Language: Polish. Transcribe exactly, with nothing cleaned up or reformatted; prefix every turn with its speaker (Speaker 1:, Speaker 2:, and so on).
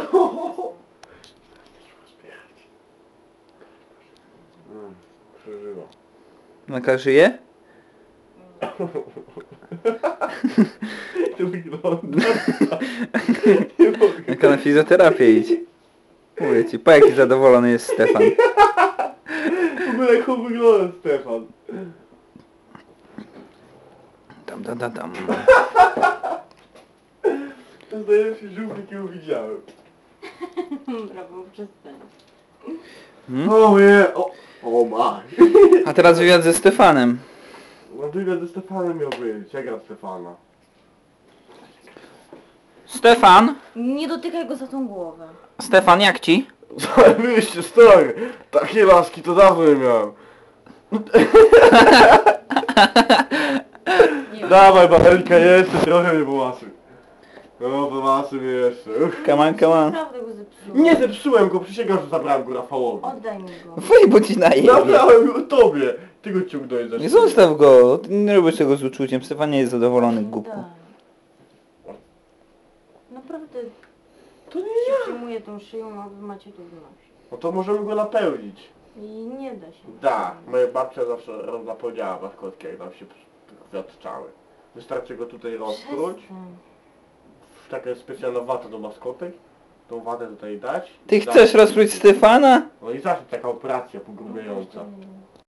Speaker 1: Mm, przeżywa.
Speaker 2: Naka żyje?
Speaker 1: To wygląda.
Speaker 2: Naka na fizjoterapię idź. Mówię ci, po jaki zadowolony jest Stefan.
Speaker 1: W ogóle jak on wygląda, Stefan.
Speaker 2: Tam, tam, tam, tam.
Speaker 1: To jest najlepszy żółw, jakiego widziałem.
Speaker 3: Brawo, przestań.
Speaker 2: Hmm?
Speaker 1: O nie, o, o ma.
Speaker 2: A teraz wywiad ze Stefanem.
Speaker 1: No wywiad ze Stefanem miał być, jak gra Stefana.
Speaker 2: Stefan?
Speaker 3: Nie dotykaj go za tą głowę.
Speaker 2: Stefan, jak ci?
Speaker 1: Zajebiście, stary! Takie laski to dawno nie miałem.
Speaker 3: Nie
Speaker 1: Dawaj, Babelka, jeszcze trochę mnie pomasuj. No, pomasuj mnie jeszcze. Uch.
Speaker 2: Come on, come on.
Speaker 3: Naprawdę go zepsułem.
Speaker 1: Nie zepsułem go, przysięgam, że zabrałem go Rafałowi.
Speaker 3: Oddaj mi go.
Speaker 2: Fuj, bo ci naje.
Speaker 1: Zabrałem go tobie. Ty go ciągnąłeś za
Speaker 2: Nie
Speaker 1: szybę.
Speaker 2: zostaw go. Ty nie robisz tego z uczuciem. Stefan nie jest zadowolony, głupku.
Speaker 3: Daj. Naprawdę
Speaker 1: To nie
Speaker 3: się
Speaker 1: ja.
Speaker 3: przyjmuję tą szyją, a wy macie to w nosie.
Speaker 1: No to możemy go napełnić.
Speaker 3: I nie da się.
Speaker 1: Da, moja babcia zawsze napełniała maskotki, jak nam się kwiatczały. Wystarczy go tutaj rozpróć.
Speaker 3: Przestań.
Speaker 1: Taka jest specjalna wata do maskotek. Tą watę tutaj dać.
Speaker 2: Ty
Speaker 1: Dać-
Speaker 2: chcesz rozpróć Stefana?
Speaker 1: No i zawsze taka operacja pogrubiająca.
Speaker 3: No,